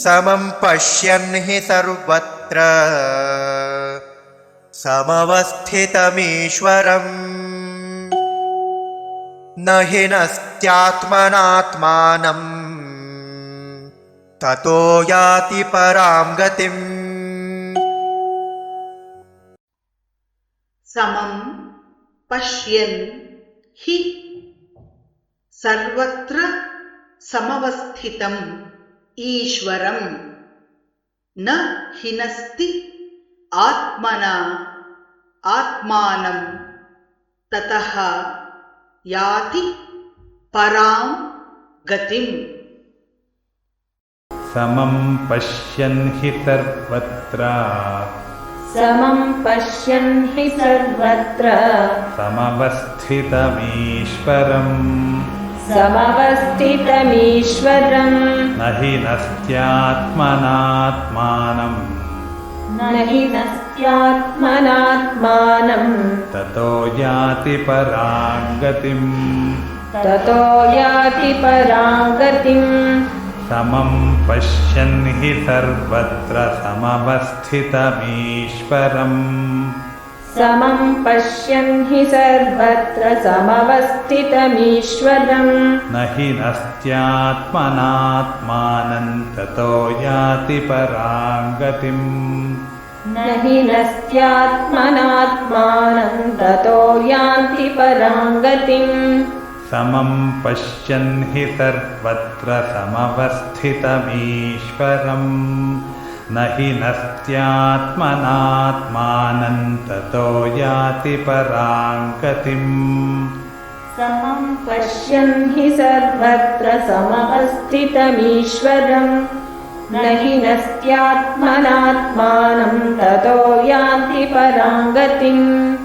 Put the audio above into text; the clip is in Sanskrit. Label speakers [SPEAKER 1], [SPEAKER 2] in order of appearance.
[SPEAKER 1] समं पश्यन् हि सर्वत्र समवस्थितमीश्वरम् न हि नस्त्यात्मनात्मानं ततो याति परां गतिम्।
[SPEAKER 2] समं पश्यन् हि सर्वत्र समवस्थितम् ईश्वरम् न हिनस्ति आत्मना आत्मानं ततः याति परां गतिम्।
[SPEAKER 3] समं पश्यन् हि सर्वत्र
[SPEAKER 4] समवस्थितमीश्वरम्
[SPEAKER 3] न हि नस्त्यात्मनात्मानं ततो याति परां गतिम्। समं पश्यन् हि सर्वत्र समवस्थितमीश्वरम् न हि नस्त्यात्मनात्मानं ततो याति परां गतिम्। समं पश्यन् हि सर्वत्र समवस्थितमीश्वरम् न हि नस्त्यात्मनात्मानं ततो याति परां गतिम्।
[SPEAKER 4] समं पश्यन् हि सर्वत्र समवस्थितमीश्वरम् न हि नस्त्यात्मनात्मानं ततो याति परां गतिम्।